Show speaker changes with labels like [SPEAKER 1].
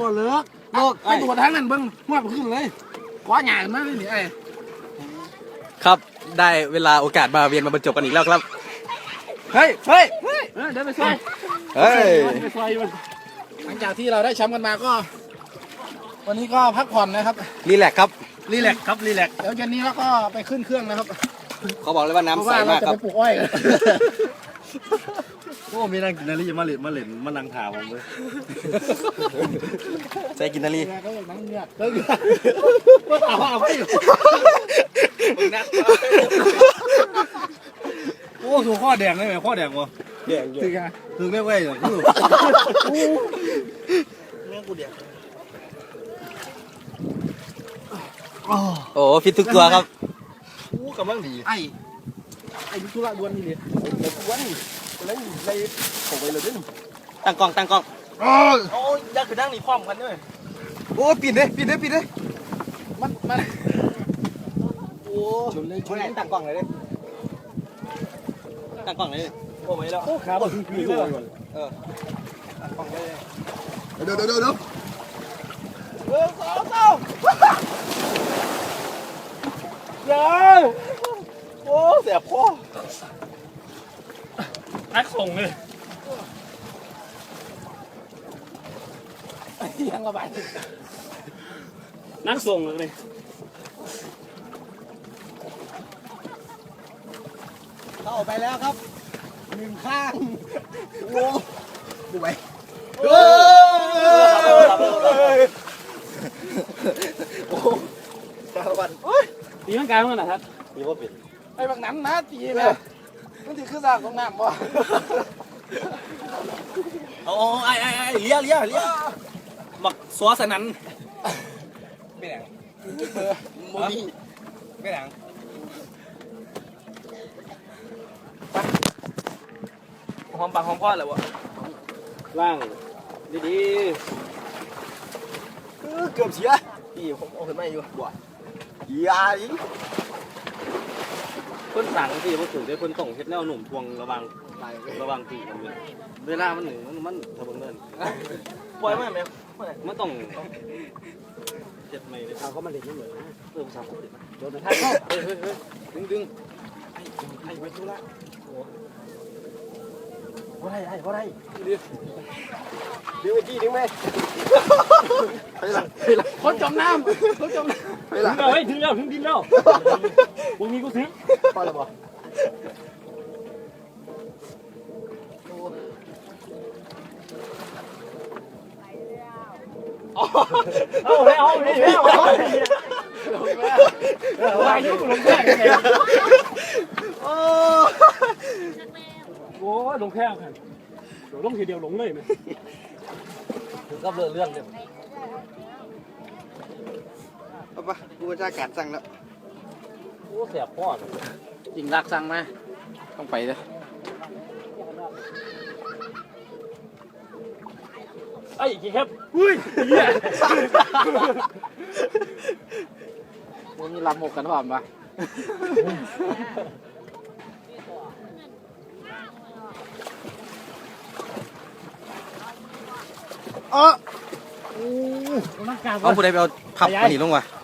[SPEAKER 1] บ่เลิกโลกไปตัวทางนั้นเบิ้งหัวขึ้นเลยคว้าหยาขึ้นมาเลยนี่ไอ้
[SPEAKER 2] ครับได้เวลาโอกาสมาเวียนมาบรรจบกันอีกแล้วครับ
[SPEAKER 1] เฮ้ยเดี๋ยวไปซอยไปซอยมันหลังจากที่เราได้แชมป์กันมาก็ วันนี้ก็พักผ่อนนะครับ
[SPEAKER 2] รีแลกซ์ครับ
[SPEAKER 1] รีแลกซ์เดี๋ยวเย็นนี้แล้วก็ไปขึ้นเครื่องนะครับ
[SPEAKER 2] เขาบอกเลยว่าน้ำใสมากครับ
[SPEAKER 1] เพราะว่าเราจะไปปลูกอ้อยกัน
[SPEAKER 3] โอ้มีนางกินนารีมาเล่นมานั่งถามผมเลย
[SPEAKER 2] ใส่กินนาลี
[SPEAKER 1] ก็อย่างนั้นเนี่ยก็เอาไว้อยู่
[SPEAKER 3] โอ้ถูกข้อแดงได้ไหมข้อแดงวะ
[SPEAKER 2] แดงอยู่
[SPEAKER 3] ถึงไม่ไหวเลยคือแม่กูแดง
[SPEAKER 2] โอ้ฟิตทุกตัวครับ
[SPEAKER 3] โอ้กำลังดี
[SPEAKER 1] ไอ้ธุระด่วนนี่เลยด่วนแล้วในผมไปเลยนี่
[SPEAKER 2] ตั้งกล้อง
[SPEAKER 1] โอ้ยยักษ์คือนั่งนี่พร้อมกันด้วย
[SPEAKER 2] โอ้ปิดเลย
[SPEAKER 1] มันโอ้ชนเลย
[SPEAKER 2] ตั้งกล้องเลยตั้งกล้องเลย
[SPEAKER 3] โอ้ไม่แล้ว
[SPEAKER 1] โอ้ขาบถึงปีเลย
[SPEAKER 2] เดี๋ยว
[SPEAKER 1] 2 3ยังโอ้เสียพ่อ
[SPEAKER 3] นักส่งเลย
[SPEAKER 1] ยังระบาย
[SPEAKER 3] นักส่งเลย
[SPEAKER 1] เข้าไปแล้วครับ1 ข้างโอ้ดูไปโอ้ชาวบ้าน
[SPEAKER 3] ตีร่างกายมันนะครับ
[SPEAKER 2] มีว่าปิด
[SPEAKER 1] ไอ้บางนั้นนะตีเลยมันถือขึ้นสร้างของน้ำบ่
[SPEAKER 2] โอ้ไอ้เลี้ยหมักซัวสนันไม่แดง
[SPEAKER 1] โมบี
[SPEAKER 2] ไม่แดง
[SPEAKER 3] หอมปากหอมคอเลยวะล่างดี
[SPEAKER 1] เกือบเสียพี่ผมเอาขึ้นมาอยู่บ่ยาอี
[SPEAKER 3] ๆคนสั่งที่มันถึงได้คนส่งเฮ็ดแนวหนุ่มทวงระวังตีกันเลยเวลามันหนึ่งมันทะเบิงเงิน
[SPEAKER 1] ปล่อยไหมแม่
[SPEAKER 3] มันต้องเจ็บไหมเลย
[SPEAKER 1] เขามาเล่นยังเหมือน
[SPEAKER 3] เพิ่มสามคนเด็ด
[SPEAKER 1] โดนท่านเข้า
[SPEAKER 3] เฮ้ยดึง
[SPEAKER 1] ไอ้ไว้ทุละว่าไรเดี๋ยวไปจี้ดึงไหมคนจมน้ำไปละ
[SPEAKER 3] ถึงแล้วถึงดินแล้ววงนี้กูถึง
[SPEAKER 1] พอแล้วบ่
[SPEAKER 3] เอาแล้ววายุลงแค่ไงโอ้ลงแค่กันลงทีเดียวลงเลยไหม
[SPEAKER 1] ก็เรื่องเลย
[SPEAKER 2] เอาปะกูจะการสั่งแล้ว
[SPEAKER 3] โอ้เสียพ่อ
[SPEAKER 1] จริงรักสั่งมาต้องไปเลย
[SPEAKER 3] ไอ้กี่ครับอุ้ยเหี้ย
[SPEAKER 1] มันมีลำหกกันหอมปะ
[SPEAKER 2] เอาผู้ใดไปเอาพับมันหนีลงวะ